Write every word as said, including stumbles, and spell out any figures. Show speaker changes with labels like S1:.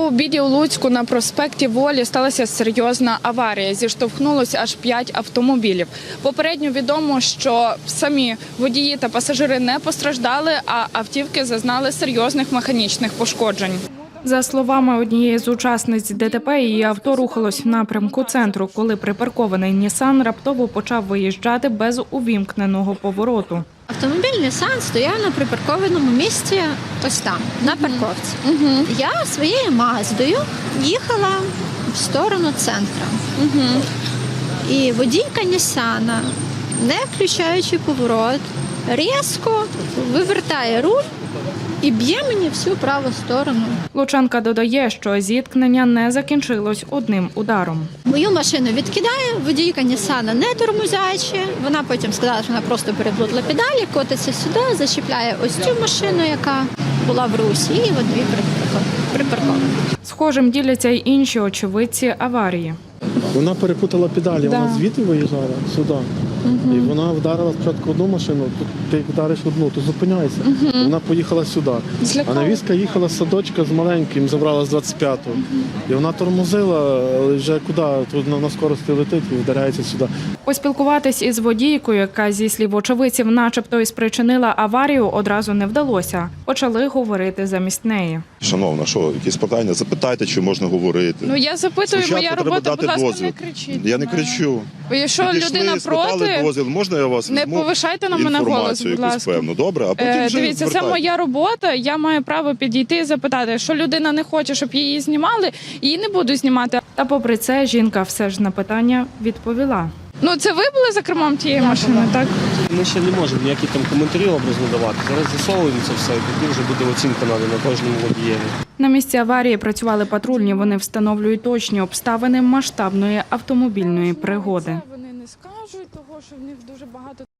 S1: У обіді у Луцьку на проспекті Волі сталася серйозна аварія. Зіштовхнулося аж п'ять автомобілів. Попередньо відомо, що самі водії та пасажири не постраждали, а автівки зазнали серйозних механічних пошкоджень. За словами однієї з учасниць ДТП, її авто рухалось в напрямку центру, коли припаркований Нісан раптово почав виїжджати без увімкненого повороту.
S2: Автомобіль Нісан стояв на припаркованому місці ось там, на парковці.
S1: Угу.
S2: Я своєю Маздою їхала в сторону центру.
S1: Угу.
S2: І водійка Нісана, не включаючи поворот, різко вивертає руль і б'є мені всю праву сторону.
S1: Лучанка додає, що зіткнення не закінчилось одним ударом.
S2: Мою машину відкидає, водійка Нісана не тормозячи. Вона потім сказала, що вона просто переплутала педалі, котиться сюди, зачіпляє ось цю машину, яка була в русі, і от дві припарковані.
S1: Схожим діляться й інші очевидці аварії.
S3: Вона перепутала педалі,
S1: Да.
S3: вона звідти виїжджала сюди.
S1: Угу.
S3: І вона вдарила спочатку одну машину, тут ти як вдариш одну, то зупиняйся.
S1: Угу.
S3: Вона поїхала сюди. А навізка їхала з садочка з маленьким, забрала з двадцять п'ятого. І вона тормозила, але вже куди? Тут на скорості летить і вдаряється сюди.
S1: Поспілкуватись із водійкою, яка, зі слів очевидців, начебто і спричинила аварію, одразу не вдалося. Почали говорити замість неї.
S4: Шановна, що, якісь питання? Запитайте, чи можна говорити.
S1: Ну я запитую,
S4: Спочатку
S1: моя
S4: треба
S1: робота,
S4: дати
S1: будь ласка,
S4: дозвіл.
S1: не кричіть.
S4: Я не
S1: на мене.
S4: кричу.
S1: Бо якщо
S4: Підійшли,
S1: людина
S4: спитали
S1: проти,
S4: дозвіл. Можна я вас
S1: не
S4: візьму
S1: повишайте на мене голос,
S4: інформацію
S1: будь
S4: якусь
S1: ласка.
S4: певну, добре? А потім
S1: Е,
S4: вже
S1: Дивіться, це
S4: звертайте.
S1: моя робота, я маю право підійти і запитати. Якщо людина не хоче, щоб її знімали, її не буду знімати. Та попри це, жінка все ж на питання відповіла. Ну це ви були за кермом тієї машини, так?
S5: Ми ще не можемо ніякі там коментарі образно давати. Зараз з'ясовуємо це все, і тоді вже буде оцінка надана на кожному водієві.
S1: На місці аварії працювали патрульні. Вони встановлюють точні обставини масштабної автомобільної пригоди. Вони не скажуть, того що в них дуже багато